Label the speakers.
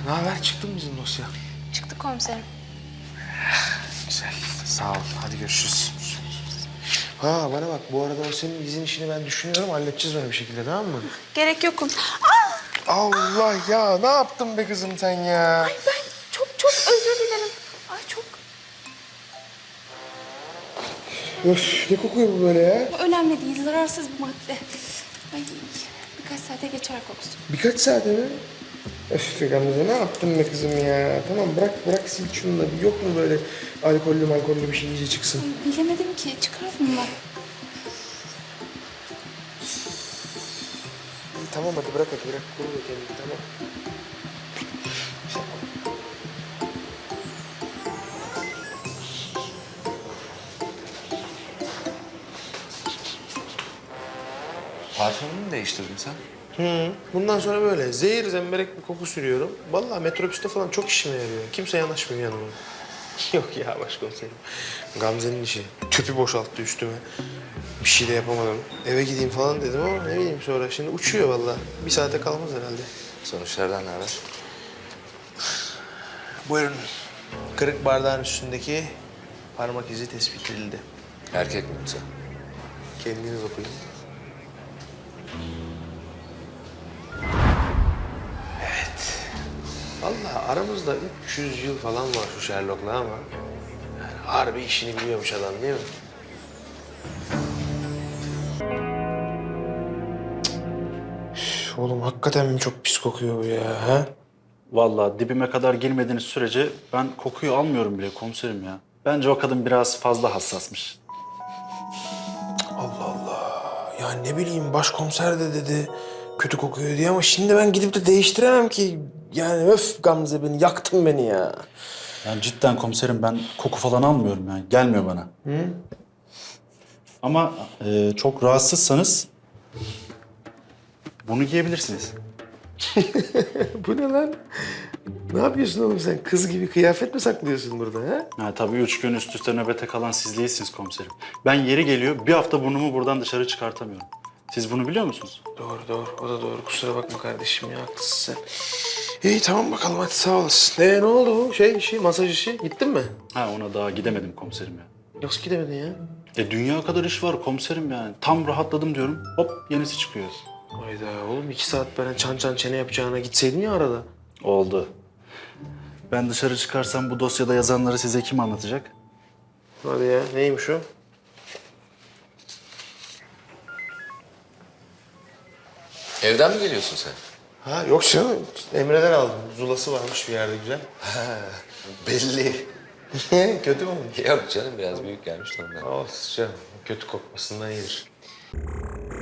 Speaker 1: Ne haber? Çıktı mı bizim dosya?
Speaker 2: Çıktı komiserim.
Speaker 1: Güzel. Sağ ol. Hadi görüşürüz. Ha bana bak, bu arada o senin izin işini ben düşünüyorum. Halledeceğiz onu bir şekilde, tamam mı?
Speaker 2: Gerek yok komiserim.
Speaker 1: Allah ya, ne yaptın be kızım sen ya?
Speaker 2: Ay ben çok özür dilerim. Ay çok
Speaker 1: Öf, ne kokuyor bu böyle ya?
Speaker 2: önemli değil. Zararsız bir madde. Ay birkaç saate geçer kokusu.
Speaker 1: Birkaç saate mi? Öf be Gamze, ne yaptın be kızım ya? Tamam bırak sil şunu da. Yok mu böyle alkollü bir şey iyice çıksın?
Speaker 2: Ay, bilemedim ki. Çıkar bunlar.
Speaker 1: İyi, tamam hadi bırak. Koru da kendini, tamam.
Speaker 3: Parfümünü mü değiştirdin sen?
Speaker 1: Bundan sonra böyle zehir zemberek bir koku sürüyorum. Vallahi metrobüste falan çok işime yarıyor. Kimse yanaşmıyor yanıma. Yok ya başkomiserim. Gamze'nin işi. Tüpü boşalttı üstüme. Bir şey de yapamadım. Eve gideyim falan dedim ama ne bileyim sonra. Şimdi uçuyor vallahi. Bir saate kalmaz herhalde.
Speaker 3: Sonuçlardan ne haber?
Speaker 1: Buyurun. Kırık bardağın üstündeki parmak izi tespit edildi.
Speaker 3: Erkek mi yoksa?
Speaker 1: Kendiniz okuyun. Evet. Vallahi aramızda 300 yıl falan var şu Sherlock'la ama... yani harbi işini biliyormuş adam değil mi? Üf, oğlum hakikaten mi çok pis kokuyor bu ya? Ha?
Speaker 4: Vallahi dibime kadar girmediğiniz sürece ben kokuyu almıyorum bile komiserim ya. Bence o kadın biraz fazla hassasmış.
Speaker 1: Allah Allah. Ya ne bileyim başkomiser de dedi kötü kokuyor diye ama şimdi ben gidip de değiştiremem ki. Yani öf Gamze, beni yaktın beni ya.
Speaker 4: Yani cidden komiserim ben koku falan almıyorum yani. Gelmiyor bana. Ama çok rahatsızsanız bunu giyebilirsiniz.
Speaker 1: Bu ne lan? Ne yapıyorsun oğlum sen? Kız gibi kıyafet mi saklıyorsun burada ha?
Speaker 4: Ha, tabii 3 gün üst üste nöbete kalan siz değilsiniz komiserim. Ben yeri geliyor bir hafta burnumu buradan dışarı çıkartamıyorum. Siz bunu biliyor musunuz?
Speaker 1: Doğru. O da doğru. Kusura bakma kardeşim ya. Haklısın sen. İyi tamam bakalım hadi sağ olasın. Ne oldu bu işi, masaj işi? Gittin mi?
Speaker 4: Ha ona daha gidemedim komiserim ya.
Speaker 1: Nasıl gidemedin ya?
Speaker 4: Dünya kadar iş var komiserim yani. Tam rahatladım diyorum. Hop yenisi çıkıyor.
Speaker 1: Hayda oğlum 2 saat ben çan çene yapacağına gitseydin ya arada.
Speaker 4: Oldu. Ben dışarı çıkarsam bu dosyada yazanları size kim anlatacak?
Speaker 1: Hadi ya neymiş o?
Speaker 3: Evden mi geliyorsun sen?
Speaker 1: Ha yok canım. Emre'den aldım. Zulası varmış bir yerde güzel.
Speaker 3: Belli.
Speaker 1: Kötü mü olmuş?
Speaker 3: Yok canım biraz büyük gelmiş de ondan.
Speaker 1: Olsun canım. Kötü kokmasından iyidir.